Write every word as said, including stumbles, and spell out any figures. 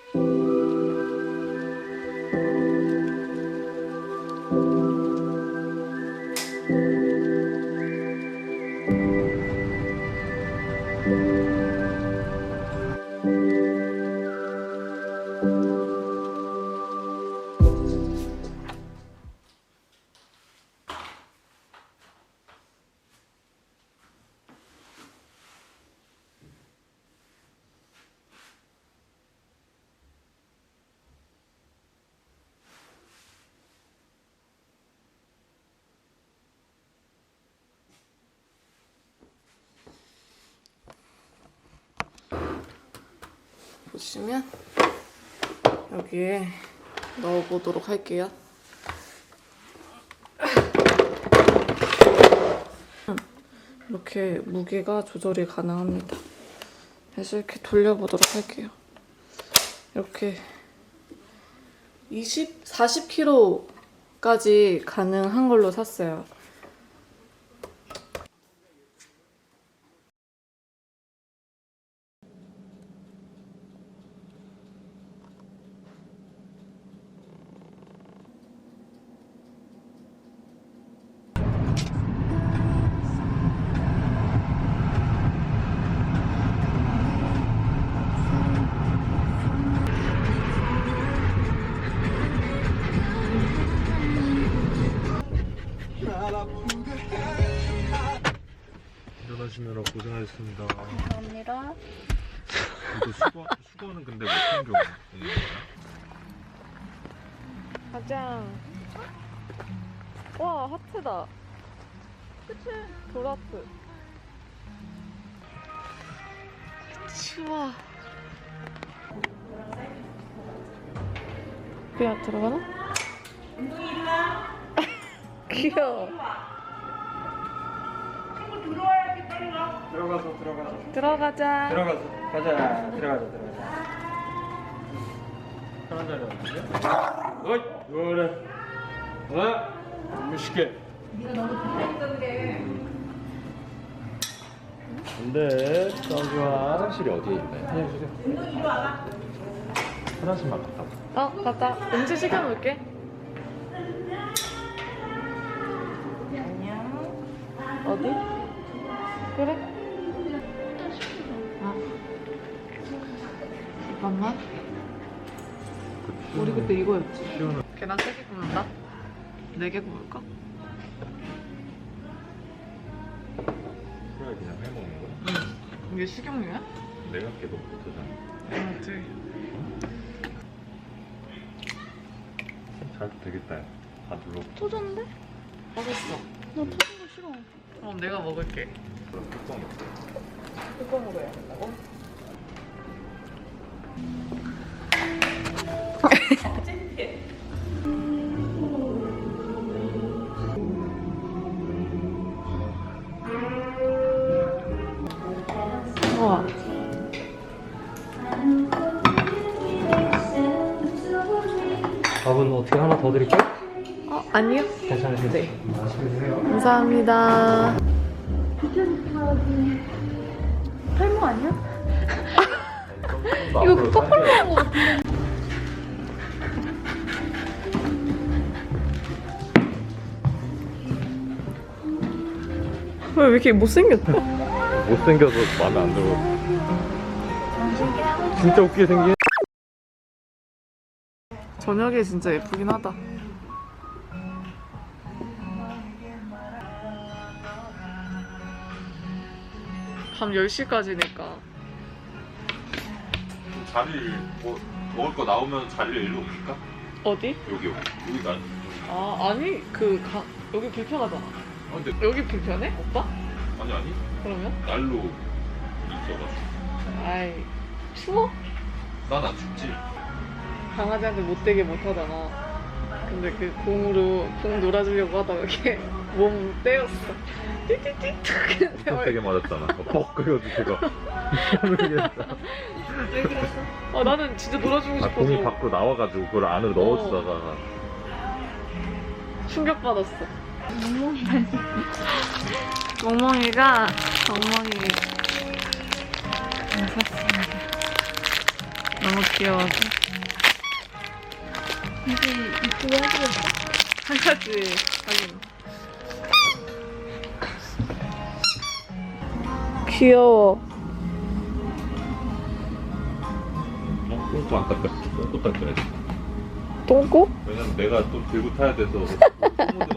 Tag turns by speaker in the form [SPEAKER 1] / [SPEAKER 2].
[SPEAKER 1] 보시면 여기에 넣어보도록 할게요. 이렇게 무게가 조절이 가능합니다. 그래서 이렇게 돌려보도록 할게요. 이렇게 이십, 사십 킬로그램까지 가능한 걸로 샀어요.
[SPEAKER 2] 운전하시느라 고생하셨습니다.
[SPEAKER 1] 감사합니다.
[SPEAKER 2] 이거 수거, 수거는 근데 못한 경우 있는 거야?
[SPEAKER 1] 가자. 와, 하트다. 그치? 돌하트. 추워. 그냥 들어가나? 운동이 일어나? 귀여워.
[SPEAKER 3] 들어가서 들어가서
[SPEAKER 1] 들어가자.
[SPEAKER 3] 들어가서 가자 들어가자 들어가자 편한 자리 왔는데? 어이 그래 어? 무식해 네가 너무 불편했던 게 안돼 딱 좋아
[SPEAKER 2] 화장실이 어디에 있나요?
[SPEAKER 3] 화장실에
[SPEAKER 2] 화장실만 갔다 와.
[SPEAKER 1] 어, 갔다. 음식 시켜놓을게. 안녕. 어디? 그래? 아. 잠깐만. 우리 그때 이거였지.
[SPEAKER 2] 시원한
[SPEAKER 1] 계란 세 개 구울까? 네 개 구울까?
[SPEAKER 2] 프라이 그냥 해먹는 거야?
[SPEAKER 1] 응. 이게 식용유야?
[SPEAKER 2] 내가 깨도 못하잖아.
[SPEAKER 1] 응, 네.
[SPEAKER 2] 잘 되겠다. 다 눌러.
[SPEAKER 1] 터졌는데? 맛있어. 나 터진 거 싫어. 그럼 내가 먹을게.
[SPEAKER 2] 그럼 뚜껑 있어.
[SPEAKER 1] 뚜껑으로 해야 된다고? 우와.
[SPEAKER 3] 밥은 어떻게 하나 더 드릴까요?
[SPEAKER 1] 어, 아니요.
[SPEAKER 3] 괜찮으세요?
[SPEAKER 1] 네.
[SPEAKER 3] 맛있게 드세요
[SPEAKER 1] 감사합니다.
[SPEAKER 4] 탈모 아니야?
[SPEAKER 1] 이거 거꾸로 하는 거 같은데. 왜, 왜 이렇게 못생겼어?
[SPEAKER 2] 못생겨서 마음에 안 들어. 진짜 웃기게 생긴.
[SPEAKER 1] 저녁에 진짜 예쁘긴 하다. 밤 열 시까지니까.
[SPEAKER 2] 자리 뭐 먹을 거 나오면 자리를 일로 옮길까?
[SPEAKER 1] 어디?
[SPEAKER 2] 여기 여기 여기 난.
[SPEAKER 1] 아, 아니, 그, 가, 여기 불편하잖아.
[SPEAKER 2] 아 근데
[SPEAKER 1] 여기 불편해? 오빠?
[SPEAKER 2] 아니 아니
[SPEAKER 1] 그러면?
[SPEAKER 2] 날로 있어가지고.
[SPEAKER 1] 아이, 추워?
[SPEAKER 2] 난 안 춥지.
[SPEAKER 1] 강아지한테 못되게 못하잖아. 근데 그 공으로 공 놀아주려고 하다가 이렇게 몸 떼었어. 띠띠띠
[SPEAKER 2] 엄청 세게 맞았잖아. 퍽 그래가지고 제가 모르겠어.
[SPEAKER 1] 왜 그랬어? 아, 나는 진짜 놀아주고
[SPEAKER 2] 아
[SPEAKER 1] 싶어서
[SPEAKER 2] 공이 밖으로 나와가지고 그걸 안으로 넣어주다가
[SPEAKER 1] 충격받았어. 멍멍이가 멍멍이 샀습니다. 너무 귀여워서.
[SPEAKER 4] 이제 이쁘게 하기로 했어?
[SPEAKER 1] 한 가지 하긴. 귀여워.
[SPEAKER 2] 어? 똥꼬 안 닦았어. 똥꼬 닦아야지.
[SPEAKER 1] 똥꼬?
[SPEAKER 2] 왜냐면 내가 또 들고 타야 돼서.